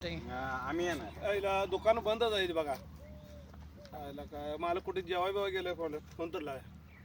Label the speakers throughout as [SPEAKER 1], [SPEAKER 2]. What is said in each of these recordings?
[SPEAKER 1] आम्ही येणार
[SPEAKER 2] आईला दुकान बंदच आहे बघा. आईला काय मला कुठे जेवाय बिवा गेलं फोन तर लाय.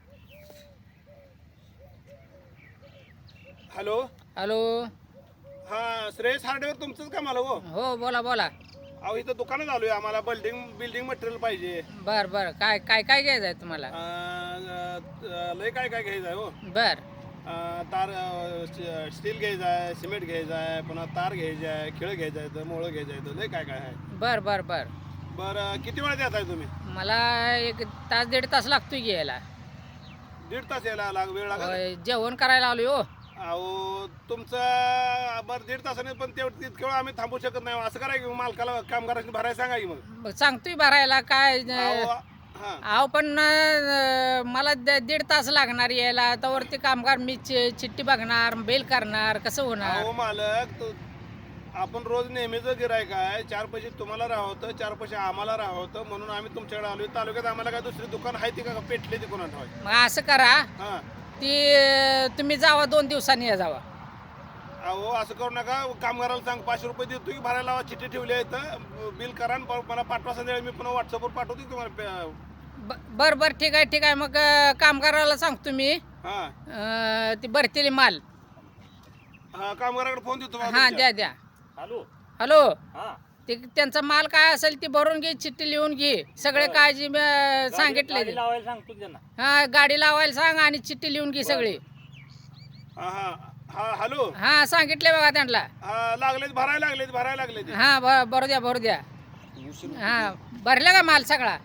[SPEAKER 2] Hello
[SPEAKER 3] hello.
[SPEAKER 2] हा श्रेयस हार्डवेअर तुमचंच का मला हो?
[SPEAKER 3] हो बोला बोला.
[SPEAKER 2] अहो इथं दुकानात आलोय. आम्हाला बिल्डिंग मटेरियल पाहिजे.
[SPEAKER 3] बर बर काय काय काय घ्यायचं आहे तुम्हाला?
[SPEAKER 2] लय काय काय घ्यायचं आहे हो.
[SPEAKER 3] बर
[SPEAKER 2] तार स्टील घ्यायचं आहे, सिमेंट घ्यायचं आहे, पुन्हा तार घ्यायची आहे, खिळ घ्यायचं आहे, मोळं घ्यायचं आहे, लय काय काय आहे.
[SPEAKER 3] बर बर बर
[SPEAKER 2] बरं किती वेळात येत आहे तुम्ही?
[SPEAKER 3] मला एक तास दीड तास लागतोय घ्यायला.
[SPEAKER 2] 1.5 तास यायला वेळ लागेल.
[SPEAKER 3] होय, जेवण करायला आलोय हो.
[SPEAKER 2] अहो तुमचं बरं 1.5 तासाने पण तितके वेळ आम्ही थांबू शकत नाही. असं करा की मालकाला कामगारांनी भरायला सांगा की मग.
[SPEAKER 3] मग सांगतोय भरायला काय
[SPEAKER 2] अहो, हा
[SPEAKER 3] अहो पण मला 1.5 तास लागणार यायला. त्यावरती कामगार मी चिठ्ठी बघणार, बिल करणार, कसं होणार?
[SPEAKER 2] अहो मालक आपण रोज नेहमीच गिरायक आहे. 4 पैसे तुम्हाला राहतं, 4 पैसे आम्हाला राहतं, म्हणून आम्ही तुमच्याकडे आलोय. तालुक्यात आम्हाला काय दुसरी दुकान आहे ती का पेटले ती कोणा ठेवाय?
[SPEAKER 3] मग असं करा,
[SPEAKER 2] हा
[SPEAKER 3] ती तुम्ही जावा 2 दिवसांनी या जावा.
[SPEAKER 2] अहो असं करू नका. कामगाराला सांग 500 रुपये देतो की भरायला लावा. चिठ्ठी ठेवली आहे तर बिल करा आणि मला पाठवा. संध्याकाळी मी पुन्हा व्हॉट्सअपवर पाठवतो तुम्हाला.
[SPEAKER 3] बर बर ठीक आहे ठीक आहे. मग कामगाराला सांगतो मी
[SPEAKER 2] हा
[SPEAKER 3] ती भरतील माल.
[SPEAKER 2] हा कामगाराकडे फोन देतो मला
[SPEAKER 3] हा
[SPEAKER 2] तुमच्या.
[SPEAKER 3] द्या द्या.
[SPEAKER 1] Hello
[SPEAKER 3] hello.
[SPEAKER 1] हा
[SPEAKER 3] ते त्यांचा माल काय असेल ती भरून घे, चिठ्ठी लिहून घे, सगळे काळजी सांगितले.
[SPEAKER 1] गाडी लावायला सांगतो त्यांना.
[SPEAKER 3] हा गाडी लावायला सांग आणि चिठ्ठी लिहून घे सगळी.
[SPEAKER 2] हा हा हा हॅलो.
[SPEAKER 3] हा सांगितले बघा त्यांना.
[SPEAKER 2] हा लागलेत भरायला लागलेत.
[SPEAKER 3] हा भरू द्या. हा भरला का माल सगळा?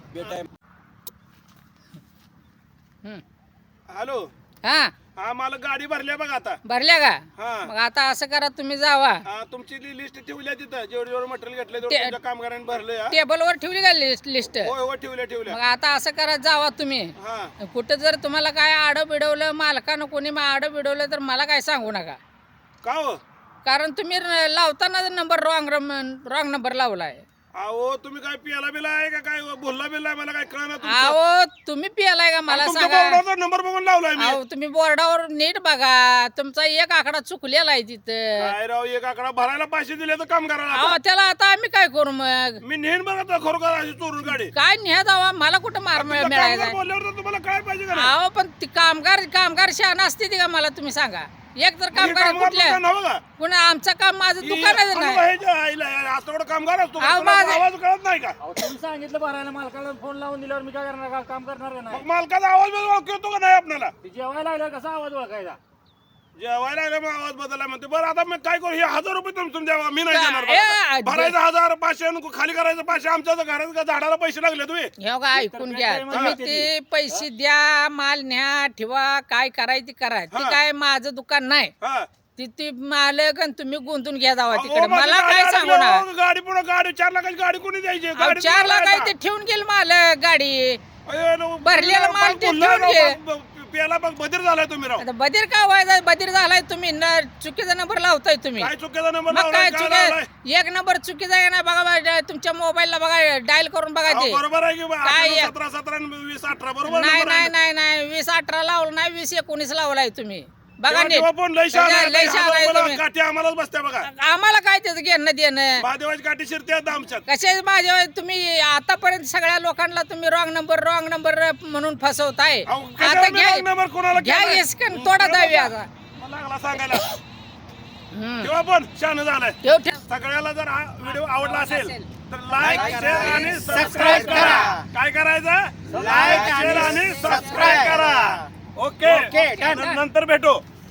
[SPEAKER 2] हॅलो.
[SPEAKER 3] हा
[SPEAKER 2] हा मला गाडी भरल्या बघा आता.
[SPEAKER 3] भरल्या का?
[SPEAKER 2] हा
[SPEAKER 3] मग आता असं करा, तुम्ही जावा.
[SPEAKER 2] तुमची लिस्ट ठेवली आहे तिथं. जेवढं मटेरियल घेतलं तुमच्या कामगारांनी भरलंय. हा.
[SPEAKER 3] टेबलवर ठेवली का लिस्ट?
[SPEAKER 2] होय हो ठेवल्या.
[SPEAKER 3] मग आता असं करा, जावा तुम्ही.
[SPEAKER 2] हा
[SPEAKER 3] कुठं जर तुम्हाला काय आडं बिडवलं, मालकानं कोणी आडं बिडवलं तर मला काय सांगू नका.
[SPEAKER 2] का हो?
[SPEAKER 3] कारण तुम्ही लावताना नंबर रॉंग नंबर लावलाय.
[SPEAKER 2] अहो तुम्ही काय पियाला बिला आहे का काय बोलला बिला आहे? मला काय कळणार.
[SPEAKER 3] अहो तुम्ही पियालाय का मला सांगा.
[SPEAKER 2] नंबर बघून लावलाय मी.
[SPEAKER 3] अहो तुम्ही बोर्डावर नीट बघा, तुमचा एक आकडा चुकलेला आहे तिथं.
[SPEAKER 2] काय राव एक आकडा भरायला पैसे दिले तर काम करायला.
[SPEAKER 3] अहो त्याला आता आम्ही काय करू? मग
[SPEAKER 2] मी नेहमी बघा खरोखर अशी चोरून गाडी.
[SPEAKER 3] काय न्या जावा, मला कुठं मार मिळायचा?
[SPEAKER 2] बोलल्यावर तर तुम्हाला काय पाहिजे का?
[SPEAKER 3] अहो पण ती कामगार शहाणा असते ती का मला तुम्ही सांगा. एक तर कामगार कुठल्या पुन्हा आमचं काम माझं दुकानच नाही.
[SPEAKER 2] असं कामगार असतो
[SPEAKER 3] अहो, माझं-
[SPEAKER 2] आवाज कळत नाही का?
[SPEAKER 1] तुम्ही सांगितलं भरायला, मालकाला फोन लावून दिल्यावर मी काय करणार? काम करणार का नाही?
[SPEAKER 2] मग मालकाचा आवाज ओळखतो का नाही आपल्याला?
[SPEAKER 1] ते जेवायला आल्यावर कसा आवाज ओळखायचा?
[SPEAKER 2] जेवायला आलं मग आवाज बदलला म्हणते. बरं आता मी काय करू? हे 1000 रुपये तुमचं द्यावा. मी नाही देणार.
[SPEAKER 3] ए,
[SPEAKER 2] भरायचं 1000 500 आणि खाली करायचं 500. आमच्या घरात झाडाला पैसे लागले तुम्ही.
[SPEAKER 3] हे बघा ऐकून घ्या, तुम्ही ते पैसे द्या, माल न्या ठेवा, काय करायचं ते करा. ती काय माझं दुकान नाही.
[SPEAKER 2] हा
[SPEAKER 3] ती मालक आणि तुम्ही गुंतून घ्या जावा
[SPEAKER 2] अहो,
[SPEAKER 3] तिकडे.
[SPEAKER 2] माझी
[SPEAKER 3] मला
[SPEAKER 2] गाडी
[SPEAKER 3] काय सांगू ना.
[SPEAKER 2] आली, गाडी पुढे गाडी 4 लाखाची गाडी कोणी द्यायची?
[SPEAKER 3] अहो,
[SPEAKER 2] गाडी
[SPEAKER 3] 4 लाख आहे
[SPEAKER 2] तुम्हाला
[SPEAKER 3] ते ठेवून गेल मालक गाडी.
[SPEAKER 2] अयो, नो,
[SPEAKER 3] भरलेला माल ते
[SPEAKER 2] बोलला
[SPEAKER 3] ठेवून
[SPEAKER 2] राव,
[SPEAKER 3] घे.
[SPEAKER 2] प्याला बघ बधीर झालाय तुम्ही राव.
[SPEAKER 3] आता बधीर का व्हायचा? बधीर झालाय तुम्ही. चुकीचा नंबर लावताय तुम्ही.
[SPEAKER 2] काय चुकीचा नंबर
[SPEAKER 3] मग
[SPEAKER 2] लावलाय?
[SPEAKER 3] काय
[SPEAKER 2] काय लावलाय?
[SPEAKER 3] चुकी? एक नंबर चुकीचा आहे ना बघा. तुमच्या मोबाईलला बघा, डायल करून बघा
[SPEAKER 2] अहो,
[SPEAKER 3] ते.
[SPEAKER 2] बरोबर आहे की बा,
[SPEAKER 3] काय
[SPEAKER 2] 17 17 आणि 20 18 बरोबर
[SPEAKER 3] नाही
[SPEAKER 2] number आहे
[SPEAKER 3] नाही
[SPEAKER 2] ना?
[SPEAKER 3] नाही 20-18 लावलं नाही, 20-19 लावलाय तुम्ही. बघा
[SPEAKER 2] तेव्हा-
[SPEAKER 3] नीट.
[SPEAKER 2] तेव्हा पण लय शहाणा आहे.
[SPEAKER 3] लय शहाणा आहे
[SPEAKER 2] मला
[SPEAKER 3] तुम्ही.
[SPEAKER 2] काठी आम्हालाच बसत्या बघा.
[SPEAKER 3] आम्हाला काय त्याचं घेणं देणं?
[SPEAKER 2] महादेवाची काठी शिरते आता आमच्यात.
[SPEAKER 3] कसे माझ्या तुम्ही आतापर्यंत सगळ्या लोकांना तुम्ही रॉंग नंबर म्हणून फसवताय.
[SPEAKER 2] अहो,
[SPEAKER 3] आता
[SPEAKER 2] कशाला मी
[SPEAKER 3] घ्या
[SPEAKER 2] wrong number कोणाला
[SPEAKER 3] घ्या
[SPEAKER 2] केलाय?
[SPEAKER 3] इसकन तोडा दावी आता.
[SPEAKER 2] मला लागला सांगायला.
[SPEAKER 3] हम्म.
[SPEAKER 2] तेव्हा पण शहाणा झालाय.
[SPEAKER 3] ठेव.
[SPEAKER 2] सगळ्याला जर हा व्हिडिओ आवडला असेल तर लाईक
[SPEAKER 3] करा.
[SPEAKER 2] शेअर आणि सबस्क्राईब करा. काय करायचं? लाईक शेअर आणि सबस्क्राईब करा. Okay
[SPEAKER 3] okay, done.
[SPEAKER 2] नंतर भेटू.